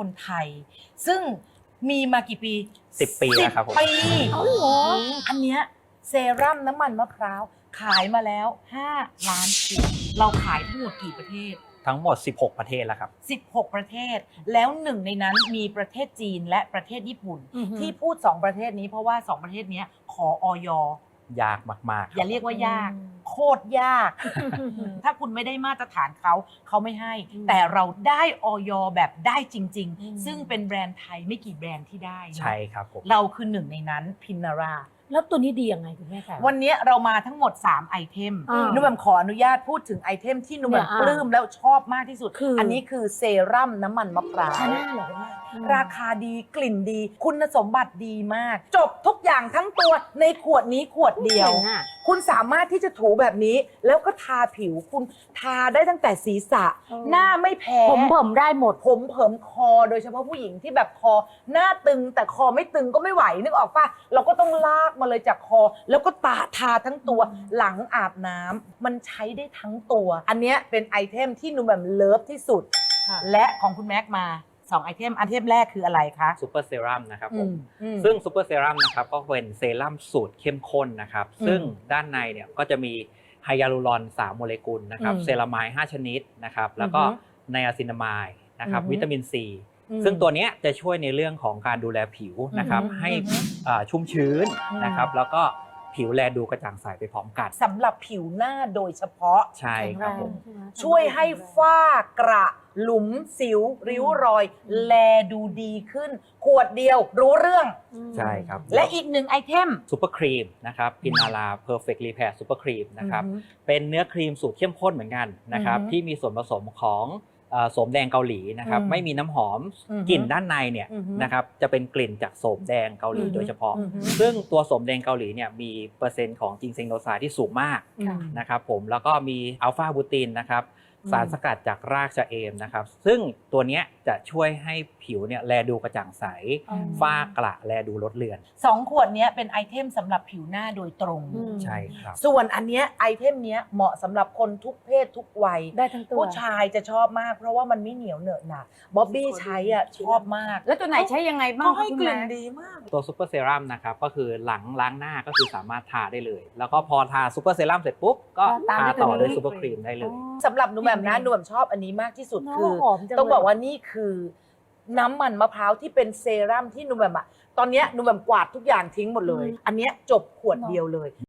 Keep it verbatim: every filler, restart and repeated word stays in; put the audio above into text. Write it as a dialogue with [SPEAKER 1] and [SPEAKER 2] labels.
[SPEAKER 1] คนไทย ซึ่งมีมากี่ปี
[SPEAKER 2] สิบปีแล้วครับผม
[SPEAKER 1] ปี
[SPEAKER 3] เอาเหรอ
[SPEAKER 1] อันเนี้ยเซรั่มน้ำมันมะพร้าวขายมาแล้วห้าล้านขวดเราขายทั้งหมดกี่ประเทศ
[SPEAKER 2] ทั้งหมดสิบหกประเทศแล้วครับ
[SPEAKER 1] สิบหกประเทศแล้วหนึ่งในนั้นมีประเทศจีนและประเทศญี่ปุ่น
[SPEAKER 3] อือฮึ
[SPEAKER 1] ที่พูดสองประเทศนี้เพราะว่าสองประเทศนี้ขออย
[SPEAKER 2] ยากมากๆ
[SPEAKER 1] อย่าเรียกว่ายาก
[SPEAKER 3] อืม
[SPEAKER 1] โคตรยาก ถ้าคุณไม่ได้มาตรฐานเขาเขาไม่ให้
[SPEAKER 3] อืม
[SPEAKER 1] แต่เราได้อย แบบได้จริง
[SPEAKER 3] อืม
[SPEAKER 1] ๆ ซึ่งเป็นแบรนด์ไทยไม่กี่แบรนด์ที่ได้นะ
[SPEAKER 2] ใช่ครับผม
[SPEAKER 1] เราคือหนึ่งในนั้นพินารา
[SPEAKER 3] แล้วตัวนี้ดียังไงคุณแม่คะ
[SPEAKER 1] วันนี้เรามาทั้งหมด สาม ไอเทม
[SPEAKER 3] อ่า
[SPEAKER 1] นุ่มแหม่มขออนุญาตพูดถึงไอเทมที่นุ่มแหม่ม
[SPEAKER 3] เนี่ยอ่า
[SPEAKER 1] ปลื้มแล้วชอบมากที่สุด
[SPEAKER 3] คืออั
[SPEAKER 1] นนี้คือเซรั่มน้ำมันมะพร้าว
[SPEAKER 3] ชาแนลเหรอคุณแม่
[SPEAKER 1] ราคาดีกลิ่นดี คุณสมบัติดีมาก จบทุกอย่างทั้งตัวในขวดนี้ขวดเดียว
[SPEAKER 3] จ๋งอะ
[SPEAKER 1] คุณสามารถที่จะถูแบบนี้ แล้วก็ทาผิวคุณทาได้ตั้งแต่ศีรษะ
[SPEAKER 3] เออ
[SPEAKER 1] หน้าไม่แพ้
[SPEAKER 3] ผมผมได้หมด
[SPEAKER 1] ผมเผิมคอโดยเฉพาะผู้หญิงที่แบบคอหน้าตึงแต่คอไม่ตึงก็ไม่ไหวนึกออกปะเราก็ต้องลากมาเลยจากคอ แล้วก็ตาทาทั้งตัว
[SPEAKER 3] อืม
[SPEAKER 1] หลังอาบน้ำมันใช้ได้ทั้งตัว อันเนี้ยเป็นไอเทมที่หนูแบบเลิฟที่สุด
[SPEAKER 3] ค่ะ
[SPEAKER 1] และของคุณแม็กมาสองไอเทมอันเทมแรกคืออะไรคะ
[SPEAKER 2] ซูเปอร์เซรั่มนะครับผม
[SPEAKER 1] อืม
[SPEAKER 2] ซึ่งซูเปอร์เซรั่มนะครับก็เป็นเซรั่มสูตรเข้มข้นนะครับ
[SPEAKER 1] อืม
[SPEAKER 2] ซึ่งด้านในเนี่ยก็จะมีไฮยาลูรอนสามโมเลกุลนะครับ
[SPEAKER 1] อืม
[SPEAKER 2] เซรามายห้าชนิดนะครับแล้วก็
[SPEAKER 1] อือฮึ
[SPEAKER 2] ไนอาซินามายนะครับ
[SPEAKER 1] อือฮึ
[SPEAKER 2] วิตามินซี
[SPEAKER 1] อืม
[SPEAKER 2] ซึ่งตัวเนี้ยจะช่วยในเรื่องของการดูแลผิวนะครับ
[SPEAKER 1] อือฮึ
[SPEAKER 2] ให้
[SPEAKER 1] อือฮึ
[SPEAKER 2] อ่าชุ่มชื้น
[SPEAKER 1] อืม
[SPEAKER 2] นะครับแล้วก็ผิวแลดูกระจ่างใสไปพร้อมกัน
[SPEAKER 1] สำหรับผิวหน้าโดยเฉพาะ
[SPEAKER 2] ใช่ครับผม
[SPEAKER 3] ใช่ไหม
[SPEAKER 1] ช่วยให้ฝ้ากระหลุมสิว ริ้วรอย แลดูดีขึ้น ขวดเดียวรู้เรื่อง
[SPEAKER 3] อืม
[SPEAKER 2] ใช่ครับ
[SPEAKER 1] และอีกหนึ่งไอเทม
[SPEAKER 2] ซูเปอร์ครีมนะครับพินาราเพอร์เฟกต์รีแพร์ซูเปอร์ครีมนะครับ
[SPEAKER 1] อือฮึ
[SPEAKER 2] เป็นเนื้อครีมสูตรเข้มข้นเหมือนกันนะครับ
[SPEAKER 1] อือฮึ
[SPEAKER 2] ที่มีส่วนผสมของเอ่อโสมแดงเกาหลีนะครับ
[SPEAKER 1] อืม
[SPEAKER 2] ไม่มีน้ำหอม
[SPEAKER 1] อือฮึ
[SPEAKER 2] กลิ่นด้านในเนี่ย
[SPEAKER 1] อือฮึ
[SPEAKER 2] นะครับจะเป็นกลิ่นจากโสมแดงเกาหลี
[SPEAKER 1] อือฮึ
[SPEAKER 2] โดยเฉพาะ
[SPEAKER 1] อือฮึ
[SPEAKER 2] ซึ่งตัวโสมแดงเกาหลีเนี่ยมีเปอร์เซ็นต์ของจิงเซงโนไซด์ที่สูงมาก
[SPEAKER 3] ค่ะ
[SPEAKER 2] นะครับผมแล้วก็มีอัลฟาบูตินนะครับ
[SPEAKER 1] อืม
[SPEAKER 2] สารสกัดจากรากชะเอมนะครับซึ่งตัวเนี้ยจะช่วยให้ผิวเนี่ยแลดูกระจ่างใส
[SPEAKER 3] อืม
[SPEAKER 2] ฝ้ากระแลดูลดเลือน
[SPEAKER 1] สองขวดเนี้ยเป็นไอเทมสำหรับผิวหน้าโดยตรง
[SPEAKER 3] อืม
[SPEAKER 2] ใช่ครับ
[SPEAKER 1] ส่วนอันเนี้ยไอเทมเนี้ยเหมาะสำหรับคนทุกเพศทุกวัย
[SPEAKER 3] ได้ทั้งตัว
[SPEAKER 1] ผู้ชายจะชอบมากเพราะว่ามันไม่เหนียวเหนอะหนะบ๊อบบี้ใช้อ่ะชอบมาก
[SPEAKER 3] แล้วตัวไหนใช้ยังไงบ้าง
[SPEAKER 1] เขาให้
[SPEAKER 3] คะคุณ
[SPEAKER 1] กลิ่น
[SPEAKER 3] แม่
[SPEAKER 1] ดีมาก
[SPEAKER 2] ตัวซูเปอร์เซรั่มนะครับก็คือหลังล้างหน้าก็คือสามารถทาได้เลย แล้วก็พอทาซูเปอร์เซรั่มเสร็จปุ๊บก็
[SPEAKER 3] ก็ตาม
[SPEAKER 2] ทา
[SPEAKER 3] ด้วย
[SPEAKER 2] ต่อ
[SPEAKER 3] ตัวนี้
[SPEAKER 2] ด้วยซูเปอร์ครีมได้เลย
[SPEAKER 1] สำหรับหนูแบบนะ
[SPEAKER 3] ดี
[SPEAKER 1] หนูแบบชอบอันนี้มากที่สุด
[SPEAKER 3] เนอะ
[SPEAKER 1] คือ
[SPEAKER 3] หอมจัง
[SPEAKER 1] ต้องบอก
[SPEAKER 3] เลย
[SPEAKER 1] ว่านี่คือน้ำมันมะพร้าวที่เป็นเซรั่มที่หนูแบบอะตอนเนี้ยหนูแบบกวาดทุกอย่างทิ้งหมดเลย อันเนี้ยจบขวดเดียวเลย